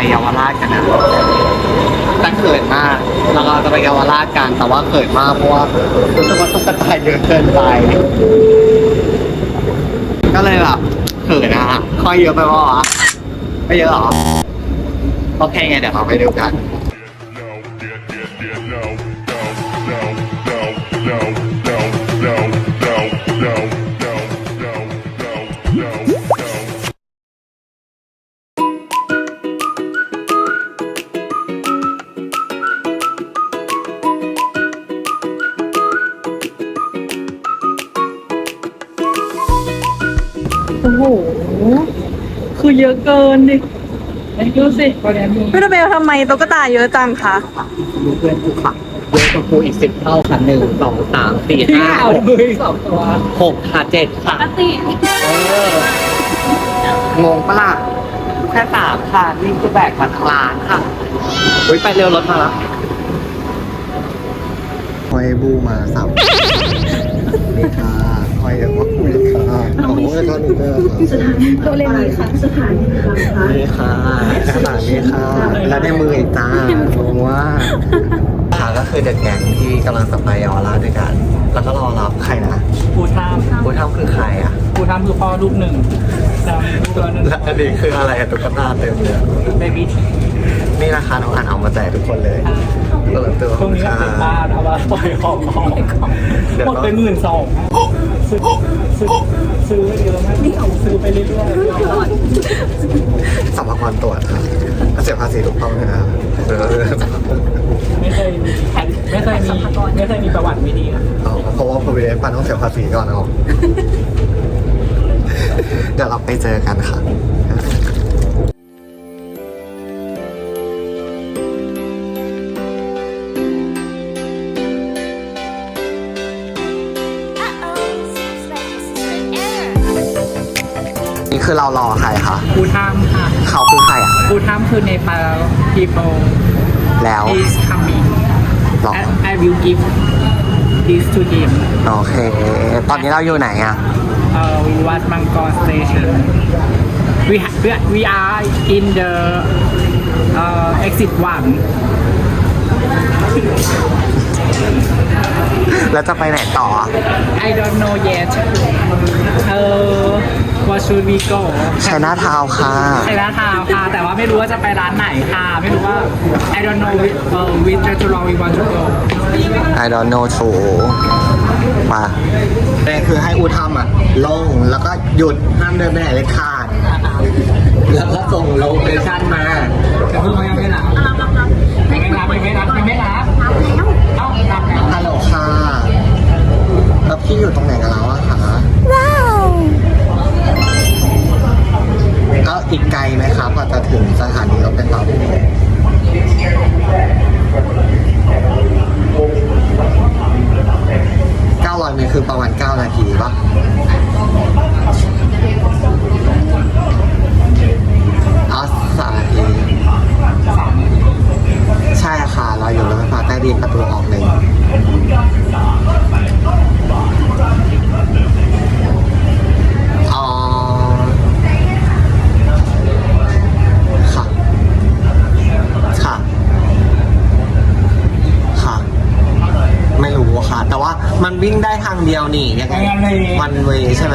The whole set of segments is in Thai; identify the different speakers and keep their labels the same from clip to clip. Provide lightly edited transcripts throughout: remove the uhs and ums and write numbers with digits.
Speaker 1: เยาวราชกันนะแต่เขินมากแล้วก็จะไปเยาวราชกันแต่ว่าเขินมากเพราะว่ารู้สึกว่าตุ๊กตาเยอะเกินไปก็เลยแบบเขินนะฮะค่อยเยอะไปป่าวะไม่เยอะหรอโอเคไงเดี๋ยวเราไปดูกัน
Speaker 2: โอ้โห คือเยอะเกินดิดูสิพี่ระเบลทำไมตุ๊กตาเยอะจังคะ
Speaker 1: ดูเพื่อนกูค่ะเยอะกว่ากูอีก10 เท่าค่ะ1 2 3 4 5 6ค่ะ7ค่ะงงปะล่ะแค่3ค่ะนี่คือแบกมาทั้งร้านค่ะอุ้ยไปเร็วรถมาแล้วคอยบูมาสับนี่ค่ะคอยเยอะกว่าคุยค่ะโอ้โหแล้วก็นี่ก็
Speaker 2: ตัวเลนี้ค่ะสถานีค่ะ
Speaker 1: นี่ค่ะขนาดนี้ค่ะแล้วในมืออีกจ้างงว่าค่ะก็คือเด็กแก๊งที่กำลังจะไปเยาวราชด้วยกัน แล้วก็รอรับใครนะ
Speaker 3: ปูทาม
Speaker 1: ผู้เท่าคือใครอ่ะ
Speaker 3: ปูทามคือพ่อลูกหนึ่งดำตัวนึง
Speaker 1: และอันนี้คืออะไรตุ๊กตาเต็มเลย
Speaker 3: เบบี้
Speaker 1: นี่นะคะน้องอันเอามาแจกทุกคนเลยตัว
Speaker 3: ตรงนี้ก็เป็นบ้านเอามาปล่อยของหมดไป12,000ซื้อไปเยอะมากซื้อไปเรื่อย
Speaker 1: สัมภาระตรวจครับเสียภาษีถูกต้องนะครับ
Speaker 3: ๆไม่เคยมีประวัติไม่ดีนะ
Speaker 1: เพราะว่า provident fund ต้องเสียภาษีก่อนนะครับเดี๋ยวเราไปเจอกันค่ะนี่คือเรารอใครคะ
Speaker 3: ปูทามค่ะ
Speaker 1: เขาคือใครอ่ะ
Speaker 3: ปูทามคือในปา people
Speaker 1: แล้ว
Speaker 3: is coming
Speaker 1: หรอ
Speaker 3: I will give this to him
Speaker 1: โอเค ตอนนี้เราอยู่ไหนอ่ะ
Speaker 3: วัดมังกร station we are in the exit 1
Speaker 1: แล้วจะไปไหนต่อ
Speaker 3: I don't know yet what should we go
Speaker 1: ชัยนาทาวน์ค่ะ
Speaker 3: ไชน่าทาวน์ค่ะ แต่ว่าไม่รู้ว่าจะไปร้านไหนค่ะ ไม่รู้ว่า I don't know which restaurant we want to go
Speaker 1: I don't know too มาแต่คือให้อูทำอ่ะ ลงแล้วก็หยุดห้ามเดินไปไหนเลยขาด แล้วก็ส่งโลเคชั่นมา
Speaker 3: แต่เพิ่งยังไม่รับ
Speaker 1: ฮัลโหลค่ะแล้วพี่อยู่ตรงไหนกันแล้วอะคะว้าวก็อีกไกลไหมครับกว่าจะถึงสถานีรถไฟฟ้า900 เมตรคือประมาณ9 นาทีป่ะ3 นาที ใช่ค่ะเราอยู่รถไฟฟ้าใต้ดินประตูออกหนึ่งอ๋อค่ะค่ะค่ะไม่รู้ค่ะ แต่ว่ามันวิ่งได้ทางเดียวนี่ยังไงวันเวย์ใช่ไหม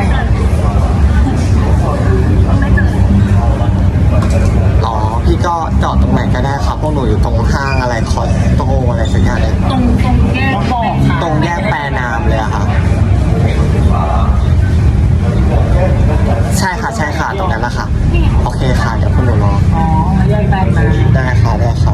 Speaker 1: อ๋อพี่ก็จอดตรงไหนก็ได้ครับพวกหนูอยู่ตรงห้างอะไรคอสโตอะไรสักอย่างเลย
Speaker 3: ตรงแยกบอกค่ะ
Speaker 1: ตรงแยกแปรนามเลยอะค่ะใช่ค่ะใช่ค่ะตรงนั้นแหละค่ะโอเคค่ะเดี๋ยวพวกหนูรอ
Speaker 3: อ๋อแยกแปลงมา
Speaker 1: ได้ค่ะได้ค่ะ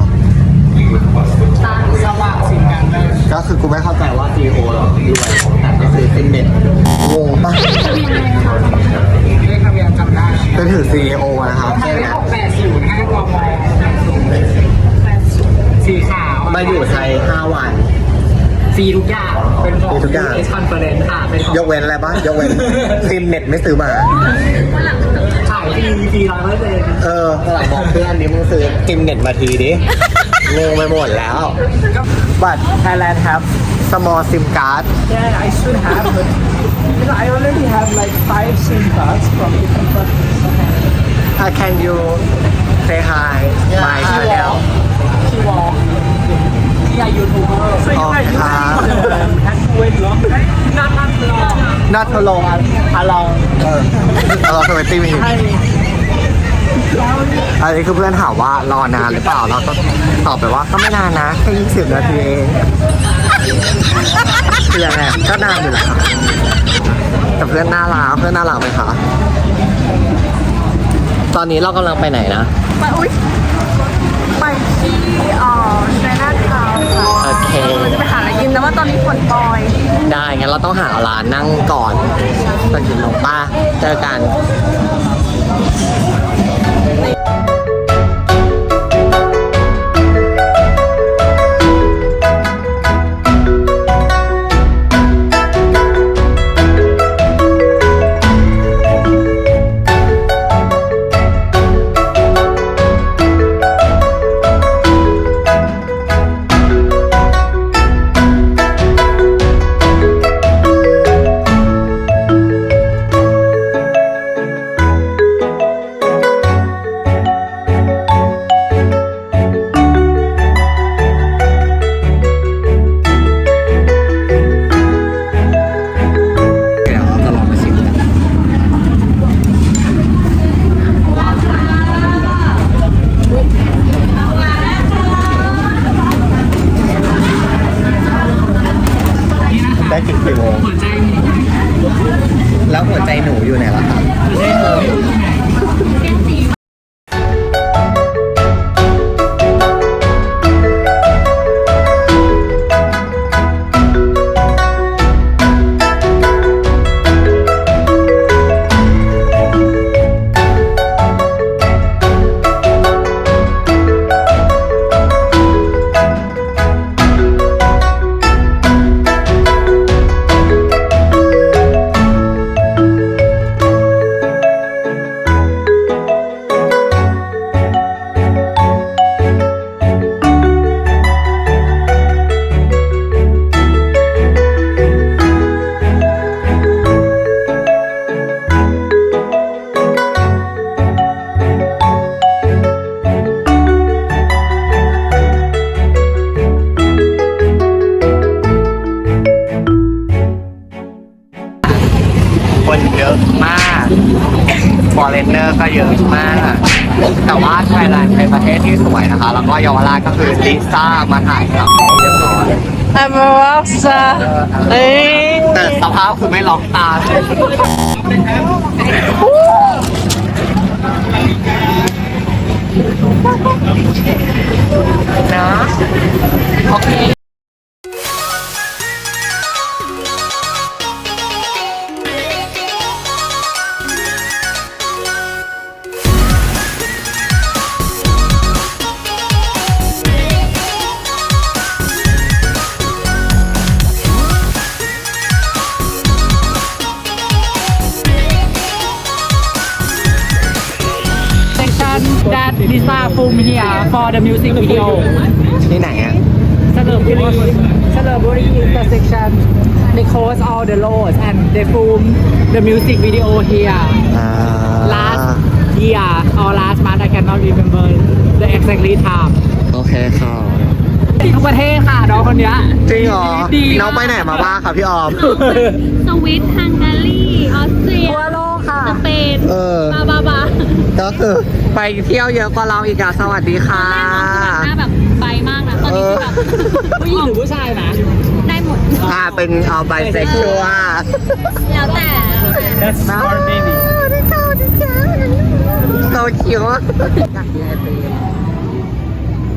Speaker 3: สว่างสิงห์กันเลย
Speaker 1: ก็คือกูไม่เข้าใจว่า CEO หรอรวยแต่ก็คือเป็นเน็ตงงปะ
Speaker 3: เลขทะเบียนจำได้
Speaker 1: เป็นถือ CEO นะครับ
Speaker 3: ใช่
Speaker 1: ใช่ไหม
Speaker 3: แล้ว805กมสีขาว
Speaker 1: มาอยู่ไทย5 วัน
Speaker 3: ฟรีทุกอย่างเป็นของ
Speaker 1: ฟรีทุกอย่าง
Speaker 3: เอชคอนเฟอเรนซ์ค่ะเป็นของ
Speaker 1: ยกเว้นอะไรบ้างยกเว้นซิมเน็ตไม่ซื้อมา
Speaker 3: ขายฟรี100%
Speaker 1: หลังบอกเพื่อนนี้มึงซื้อซิมเน็ตมาทีดิงงไปหมดแล้ว But Thailand have small SIM card
Speaker 3: Yeah, I should have, but I already have like 5 SIM cards from different countries.
Speaker 1: Can you say hi
Speaker 3: are YouTuber
Speaker 1: โอเคครับ
Speaker 3: แฮชเวทเหรอน่าทักหรอ
Speaker 1: นัทโลอาลองเราเคยไปตีมีอันนี้คือเพื่อนถามว่ารอนานหรือเปล่าเราก็ตอบไปว่าก็ไม่นานนะแค่20 นาทีเองคือยังไงก็นานอยู่แหละค่ะแต่เพื่อนน่ารักไหมคะตอนนี้เรากำลังไปไหนนะ
Speaker 2: ไปอุ้ยไปที่ไชน่าทาวน์ค่ะ
Speaker 1: โอเค
Speaker 2: จะไปหาอะไรกินแต่ว่าตอนนี้ฝนปล่อย
Speaker 1: ได้งั้นเราต้องหาร้านนั่งก่อนตอนกินลงป้าเจอกันได้ถึงกี่โมง
Speaker 3: หัวใจหมู
Speaker 1: แล้วหัวใจหนูอยู่ไหนล่ะครับ
Speaker 3: หัวใจหมู
Speaker 1: คนเยอะมากฟอเรนเนอร์ก็เยอะมาก แต่ว่าไทยแลนด์เป็นประเทศที่สวยนะคะ แล้วก็เยาวราชก็คือลิซ่ามาถ่ายกับเรียบร้อย
Speaker 2: I'm a rockstar เอ้ย
Speaker 1: แต่สภาพคือไม่ล็อกตานะโอเค
Speaker 3: section that Lisa film here for the music video
Speaker 1: ที่ไหนอ่ะ
Speaker 3: Celebrity intersection they close all the roads and they film the music video here last year or last month I cannot remember the exactly time
Speaker 1: โอเคค่ะ
Speaker 3: ทุกประเทศค่ะน้องคนเนี้ย
Speaker 1: จริงเหรอ
Speaker 3: ดี
Speaker 1: น้องไปไหนมาบ้างคะพี่ออม
Speaker 4: สวิตฮังการีออสเตรีย
Speaker 3: ทั่วโลกค่ะ
Speaker 4: สเปน บาบา
Speaker 1: ก็คือไปเที่ยวเยอะกว่าเราอีกอะสวัสดีค่ะ
Speaker 4: หน้าแบบไปมากนะ ตอนนี้คือแบบ
Speaker 3: ผู้หญิงหรือผู้ชายนะ
Speaker 4: ได้หมด
Speaker 1: เป็นเอาไบเซ็กชวล
Speaker 4: แล้วแต่
Speaker 3: That's our baby
Speaker 1: โตคิวอยากกินไอติม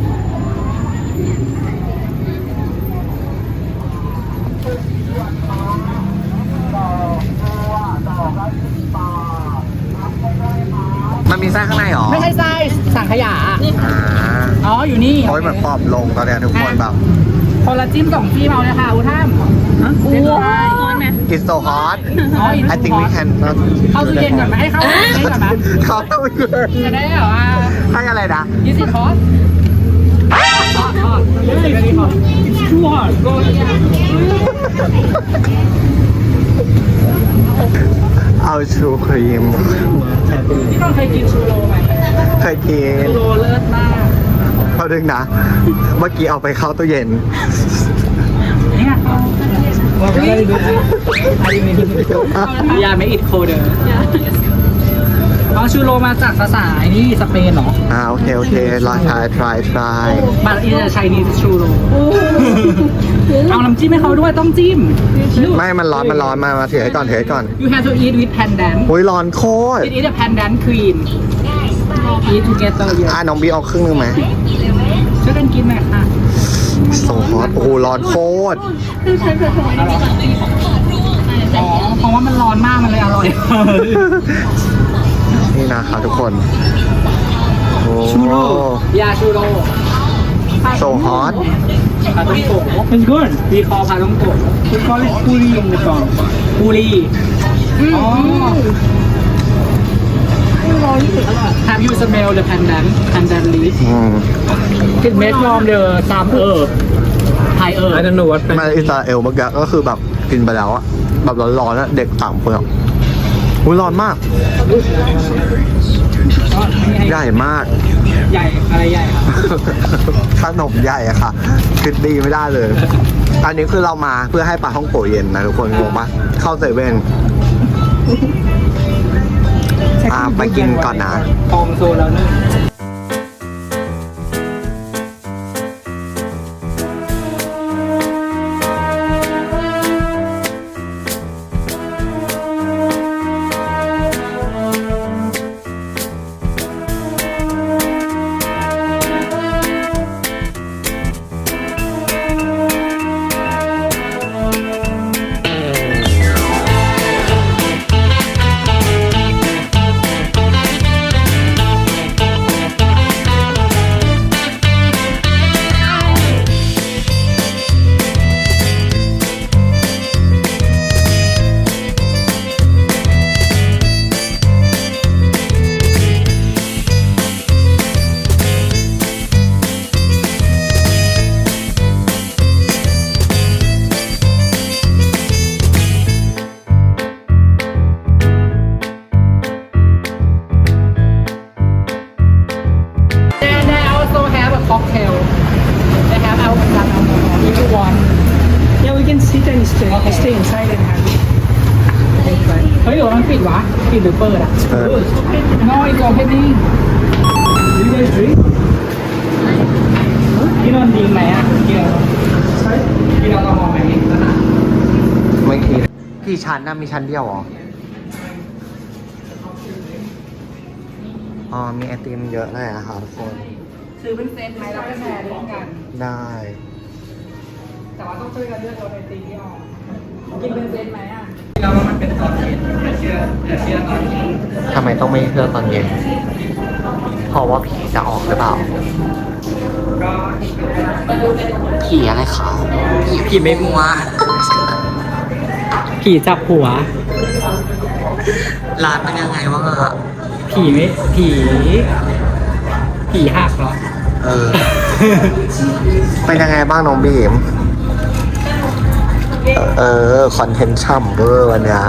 Speaker 1: มันมีไส้ข้างในเหรอ
Speaker 3: ไม่ใช่ไส้สังขยา
Speaker 1: อ่า
Speaker 3: อ๋อ อยู่นี่
Speaker 1: โอ้ยเหมือนปอบลงตอนเนี้ยทุกคนแบบ
Speaker 3: คนละจิ้ม2ที่เมาเลยค่ะอุท่ามเรียบร้อย
Speaker 4: ร้อนไหม
Speaker 1: it's so hot
Speaker 3: อ๋อ
Speaker 1: I think we can not
Speaker 3: เข้าตู้เย็นก่อนไหมให้เข้าตู้เย็นก่อนไหม
Speaker 1: เข้าตู้เย็น
Speaker 3: จะได้แบบว่า
Speaker 1: ให้อะไรนะ
Speaker 3: ยี่สิบคอร์สทอดยี่สิบนาทีคอร์สชั่วโกย
Speaker 1: เอาชูครีม
Speaker 3: พี่ต้องเคยกินชูโรไหม
Speaker 1: เคยกิน
Speaker 3: ชูโรเลิศมาก
Speaker 1: พอดึงนะ เมื่อกี้เอาไปเข้าตู้เย็น
Speaker 3: เนี่ยอย่าไม่อิดโคเดอร์อ๋อชูโรมาจากภาษาไอ้นี่สเปนเหรอ
Speaker 1: โอเคโอเคลองtry
Speaker 3: บัตรอินเตอร์ไชนีชูโรเอาน้ำจิ้มให้เขาด้วยต้องจิ้ม
Speaker 1: ไม่มันร้อนมาถือให้ก่อน
Speaker 3: You have to eat with pandan
Speaker 1: โอ้ยร้อนโคตร
Speaker 3: It is a pandan cream Eat together เยอะ
Speaker 1: น้องบีเอาครึ่งนึงไหม
Speaker 3: ช่วยกันกินหน่อยค่ะ
Speaker 1: โซฮอตโอ้โหร้อนโคตร
Speaker 3: อ๋อเพราะว่ามันร้อนมากมันเลยอร่อย
Speaker 1: นี่นะคะทุกคนโอ้
Speaker 3: ชูโรยาชูโร
Speaker 1: โซฮอต
Speaker 3: พาต้องโกะ It's good we call พาต้องโกะ We call it ปูรีในกล่องปูรีอ๋อ Have you smell the pandan leaf It made from the some herb Thai herb I don't know what
Speaker 1: มาอิสราเอลเมื่อกี้ก็คือแบบกินไปแล้วอะแบบร้อนๆอะเด็ก3 คนอะอุ้ยร้อนมาก ใหญ่มาก
Speaker 3: ใหญ่อะไรใหญ่ครับ
Speaker 1: ขนมใหญ่อะค่ะคิดดีไม่ได้เลย อันนี้คือเรามาเพื่อให้ปลาท่องโกะเย็นนะทุกคนงงปะเข้าเซเว่นไปกินก่อนนะ
Speaker 3: ตองโซแล้วนึงcocktail. They have alcohol if you want.
Speaker 5: Yeah, we can sit and stay inside and have it.
Speaker 3: เฮ้ยเดี๋ยวมันปิดวะปิดหรือเปิดอ่ะ No it's opening
Speaker 5: Do you guys drink?
Speaker 3: พี่นนท์ดีไหมอ่ะกินแอลกอฮอล์ไหม
Speaker 1: ไม่คิดกี่ชั้นนะมีชั้นเดียวเหรอ อ๋อมีไอติมเยอะเลยนะคะทุกคน
Speaker 3: ซื้อเป็นเซตไหมแล้วก็แชร์ร่วมกัน
Speaker 1: ได้
Speaker 3: แต่ว่าต้องช่วยกันเลือกรสไอติมที่ออกกินเป็นเซตไหมอ่ะแล้วว่ามันเป็นตอนเย็นอย่าเชื่อตอนเย็น
Speaker 1: ทำไมต้องไม่เลือกตอนเย็น เพราะว่าผีจะออกหรือเปล่า ผีอะไรคะผีไม่มัว
Speaker 3: ผีจับหัว
Speaker 1: ร้านเป็นยังไงวะ
Speaker 3: ผีหักเหรอ
Speaker 1: เป็นยังไงบ้างน้องบีม คอนเทนต์ช่ำเวอร์วันเนี้ย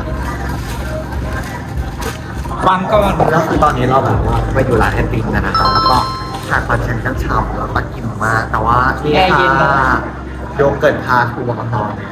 Speaker 3: ฟังก่อน
Speaker 1: แล้วคือตอนนี้เราแบบว่าไปอยู่ร้านไอติมกันนะครับแล้วก็ทานคอนเทนต์ช่ำๆแล้วก็กินมากแต่ว่าที่ค่ะโยเกิร์ตพาทัวร์ของเราเนี่ย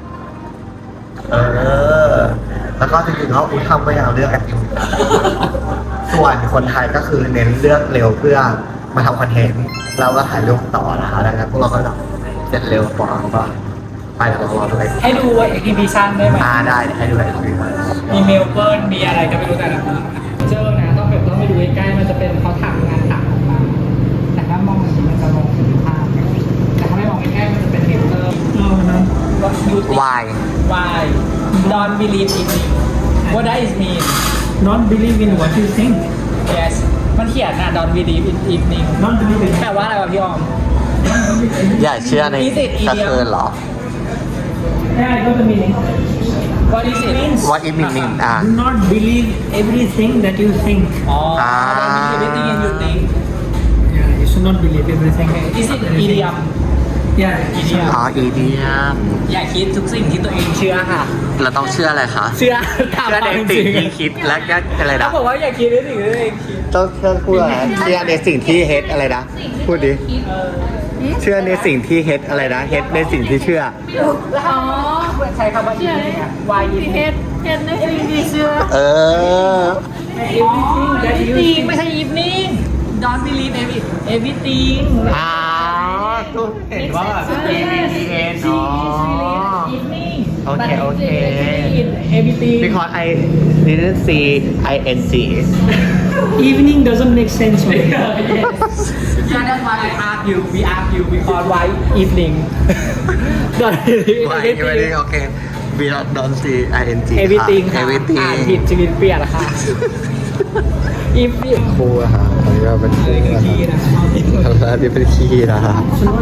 Speaker 1: แล้วก็จริงๆแล้วทำก็ยังเลือกไอติมส่วนคนไทยก็คือเน้นเลือกเร็วเพื่อมาทำคอนเทนต์แล้วก็ถ่ายรูปต่อนะคะดังนั้นพวกเราก็แบบเสร็จเร็วกว่าก็ไปแล้วเราเลย
Speaker 3: ให้ดูเอ็กซิบิชันได้ไหม
Speaker 1: ได้ให้ดูไอติม
Speaker 3: มีเมลเบิร์นมีอะไรก็ไม่รู้แต่ละคนเจอนะต้องไปดูใกล้ๆมันจะเป็นเขาถักงานถักออกมาแต่ถ้ามองอย่างนี้มันจะมองเป็นภาพแต่ถ้าไม่มองใกล้ๆมันจะเป็นเมลเบิร์นWhat you think?
Speaker 1: Why?
Speaker 3: Why? Don't believe in me. What does it mean?
Speaker 5: Not believe in what you think.
Speaker 3: Yes. มันเขียนนะ Don't believe in evening.
Speaker 5: Not believe in
Speaker 3: แปลว่าอะไรวะพี่ออม
Speaker 1: อย่าเชื่อในกระเทือนเหรอ
Speaker 5: Yeah, I got the meaning.
Speaker 3: What is it?
Speaker 1: What it mean
Speaker 5: Do not believe everything that you think.
Speaker 3: อ๋อ Don't believe everything you think.
Speaker 5: Yeah, you should not believe everything.
Speaker 3: Is it idiom?
Speaker 5: Yeah,
Speaker 3: Idiom.
Speaker 1: อ๋ออีเดียม
Speaker 3: อย่าคิดทุกสิ่งที่ตัวเองเชื่อค่ะ
Speaker 1: เราต้องเชื่ออะไรคะ
Speaker 3: เชื่อตาม
Speaker 1: เชื่อใน
Speaker 3: ความ
Speaker 1: สิ่ง
Speaker 3: จริง
Speaker 1: ที่คิดและก็อะไร
Speaker 3: เขา
Speaker 1: นะ
Speaker 3: บอกว่าอย่าคิดในสิ่งที่ตัวเองคิด
Speaker 1: ต้องพูดอะไรเชื่อในสิ่งที่เฮดอะไรนะพูดดิเชื่อในสิ่งที่เฮดอะไรนะเฮดในสิ่งที่เชื่อ
Speaker 3: อ๋อใช้คำว่าอีเนี่ย why is
Speaker 2: เฮ็ดในสิ่งที่เชื่อ
Speaker 1: เออ
Speaker 3: everything that you think ไม่ใช่ evening don't believe everything
Speaker 1: ก็เห็นว่าแบบ EVN อ๋อ
Speaker 3: evening
Speaker 1: โอเคโอเค
Speaker 3: everything
Speaker 1: because I didn't see INC
Speaker 5: Evening doesn't make sense. Right?
Speaker 3: yeah that's why I ask you we ask you because why evening don't believe
Speaker 1: Why
Speaker 3: everything
Speaker 1: everything okay we don't see ING
Speaker 3: everything ค่ะ
Speaker 1: everything
Speaker 3: อ่านผิดชีวิตเปลี่ยนละค่ะ evening
Speaker 1: คู่อะค่ะอันนี้ก็เป็นคู่นะครับอันนี้เป็นขี้นะคะ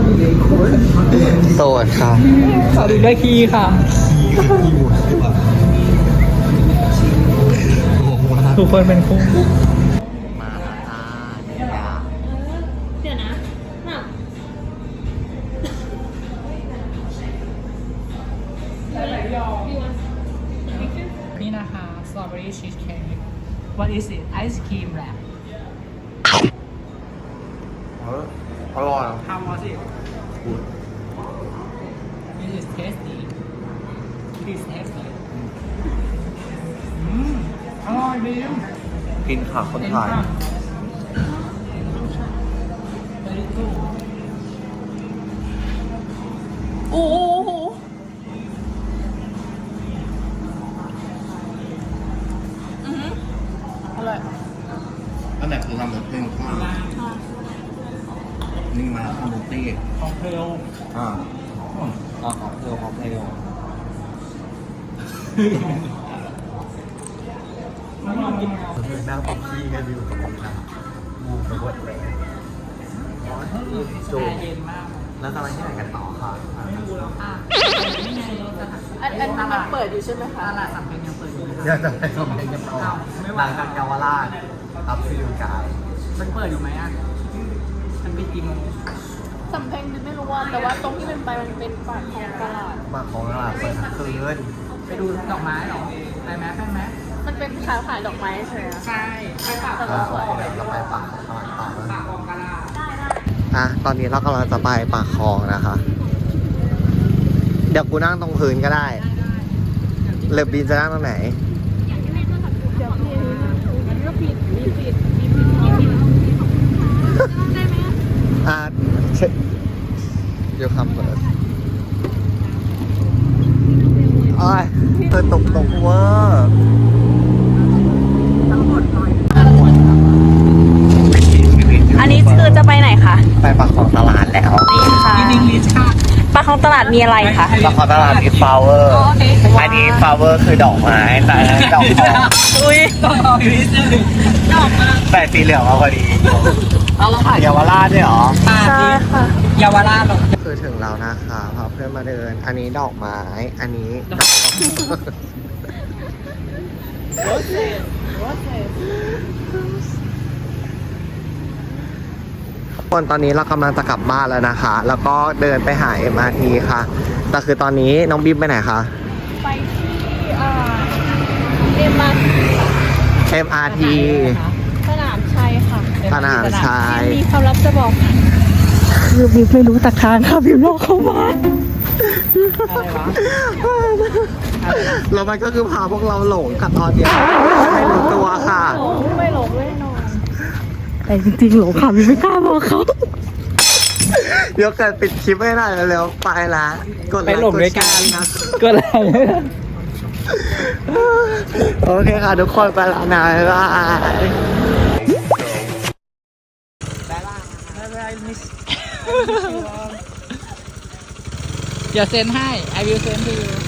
Speaker 1: โสดค่ะ
Speaker 3: สวัสดีด้วยคีย์ค่ะ ทุกคนเป็นคู่
Speaker 1: มาแล้วจ้าเนี่ย
Speaker 4: เดี๋ยวนะแบบ
Speaker 3: นี่นะคะ strawberry cheesecake what is it ice cream wrap
Speaker 1: อร่อย
Speaker 3: how was it it is tasty it is tasty อร่อยดี
Speaker 1: กินค่ะคนไทย
Speaker 3: very good
Speaker 2: โอ้โห
Speaker 1: อันไหนคือทำแบบเพ่งข้าวนี่มาทำบุฟเฟ่
Speaker 3: ของเพล
Speaker 1: ของเพลของเพลนั่งปอกขี้กันอยู่นะงูไปหมดเลยจู
Speaker 3: เย็นมาก
Speaker 1: แล้วจะไปที่ไหนกันต่อค่ะ
Speaker 3: ไม่รู้แล้วค่ะนี่ไงรถสถาน
Speaker 2: อันมันเปิดอยู่ใช่ไหมคะ
Speaker 3: ตลาดสำเพ็งยังเปิดอยู่ไหม
Speaker 1: เดี๋ยวจะไปชมเพลงกันต่อหลังจากเยาวราชอัพซิลกาย
Speaker 3: มันเปิดอยู่ไหมอ่ะ มันปิดกี่โมง
Speaker 2: สำเพ็งไม่รู้ว่าแต่ว่าตรงที่มันไปมันเป็นปากของตลาด
Speaker 1: มาของตลาดเปิดทั้งคืน
Speaker 3: ไปดูดอกไม้เหรอ ไปไหมไปไหม
Speaker 2: มันเป็นขายดอกไม้ใช่ไหม
Speaker 3: ใช่ ไปปาก
Speaker 1: แล้วเราไปปากของตลาดต่อ
Speaker 3: ปากของกะลา
Speaker 1: ตอนนี้เรากำลังจะไปปากคลองนะคะ เดี๋ยวกูนั่งตรงพื้นก็ได้เล็บบินจะนั่งตรงไหน เช็คเดี๋ยวคำเปิดโอ้ยตกเวอร์
Speaker 2: อันนี้คือจะไปไหนคะ
Speaker 1: ไปปากของตลาดแล้ว
Speaker 2: นี่ค่ะ
Speaker 3: อิงลิชค่ะ
Speaker 2: ปากของตลาดมีอะไรคะ
Speaker 1: ปากของตลาดมีฟลาวเวอร์ อันนี้ฟลาวเวอร์คือดอกไม้แต่ดอกทอง
Speaker 2: อุ้ย
Speaker 3: ต้องรออยู่นิดนึง
Speaker 1: แต่สีเหลืองมาพอดี
Speaker 3: เอาละค่ะ
Speaker 1: เยาวราชด้วยเหรอ
Speaker 2: ใช่ค่ะ
Speaker 3: เยาวราชหรอ
Speaker 1: คือถึงแล้วนะคะพาเพื่อนมาเดิน อันนี้ดอกไม้ อันนี้ดอกคนตอนนี้เรากำลังจะกลับบ้านแล้วนะคะ แล้วก็เดินไปหา MRT ค่ะ แต่คือตอนนี้น้องบิ๊มไปไหนคะ
Speaker 2: ไปที่MRT
Speaker 1: MRT
Speaker 2: สนามชัยค่ะ
Speaker 1: สนามชัย
Speaker 2: มีความลับจะบอกค่ะคือบิ๊มไม่รู้ตักทางค่ะบิ๊มลอกเข้ามา
Speaker 3: อะไรวะ
Speaker 1: แล้วมันก็คือพาพวกเราหลงกับตอนเดียวไม่รู้ตัวค่ะ
Speaker 2: ไม่หลงแน่นอนแต่จริงๆหลงค่ะบิ๊มไม่กล้าบอกเขา
Speaker 1: เดี๋ยวเกิดปิดคลิปไม่ได้เร็วๆไปละกด
Speaker 3: ไป
Speaker 1: ไลค์
Speaker 3: หลงด้วยกัน
Speaker 1: แชร์นะ
Speaker 3: ก็เลย
Speaker 1: โอเคค่ะทุกคนไปแล้วนะบ๊ายบาย
Speaker 3: เดี๋ยวเซ็นให้ I will send to you